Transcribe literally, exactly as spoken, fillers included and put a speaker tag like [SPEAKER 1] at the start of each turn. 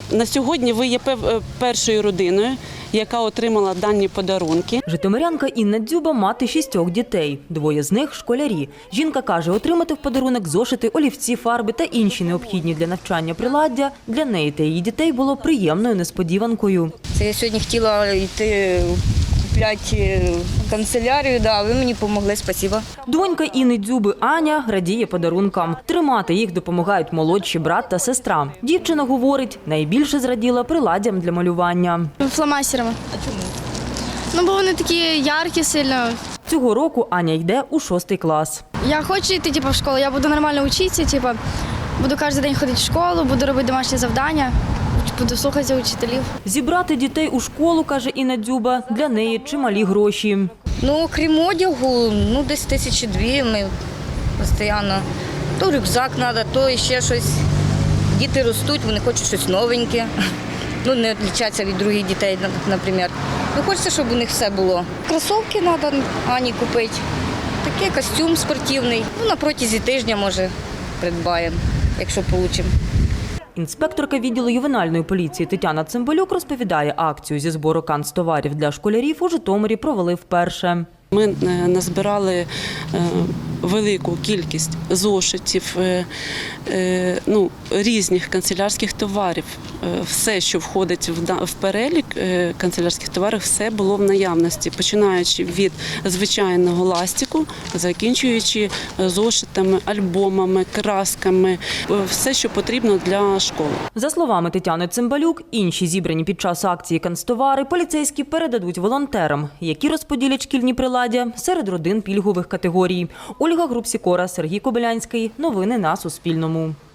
[SPEAKER 1] На сьогодні ви є першою родиною, яка отримала дані подарунки.
[SPEAKER 2] Житомирянка Інна Дзюба – мати шістьох дітей. Двоє з них – школярі. Жінка каже, отримати в подарунок зошити, олівці, фарби та інші необхідні для навчання приладдя для неї та її дітей було приємною несподіванкою.
[SPEAKER 3] Це я сьогодні хотіла йти купляти канцелярію, да, ви мені допомогли, спасибо.
[SPEAKER 2] Донька Інни Дзюби Аня радіє подарункам. Тримати їх допомагають молодші брат та сестра. Дівчина говорить, найбільше зраділа приладдям для малювання.
[SPEAKER 4] Фломастерами. А чому? Ну, бо вони такі яркі сильно.
[SPEAKER 2] Цього року Аня йде у шостий клас.
[SPEAKER 4] Я хочу йти типу, в школу, я буду нормально вчитися, типу, буду кожен день ходити в школу, буду робити домашні завдання, буду слухатися учителів.
[SPEAKER 2] Зібрати дітей у школу, каже Інна Дзюба, для неї чималі гроші.
[SPEAKER 3] Ну, окрім одягу, ну, десь тисячі дві ми постійно. То рюкзак треба, то ще щось. Діти ростуть, вони хочуть щось новеньке. Ну, не відрізняться від других дітей, наприклад. Ну, хочеться, щоб у них все було. Кросівки треба Ані купити, такий костюм спортивний. Ну, на протязі тижня, може, придбаємо, якщо вийде.
[SPEAKER 2] Інспекторка відділу ювенальної поліції Тетяна Цимбалюк розповідає, акцію зі збору канцтоварів для школярів у Житомирі провели вперше.
[SPEAKER 1] Ми назбирали велику кількість зошитів, ну, різних канцелярських товарів. Все, що входить в перелік канцелярських товарів, все було в наявності, починаючи від звичайного ластику, закінчуючи зошитами, альбомами, красками, все, що потрібно для школи.
[SPEAKER 2] За словами Тетяни Цимбалюк, інші зібрані під час акції канцтовари поліцейські передадуть волонтерам, які розподілять шкільні приладдя серед родин пільгових категорій. Ольга Грубсікора, Сергій Кобилянський. Новини на Суспільному.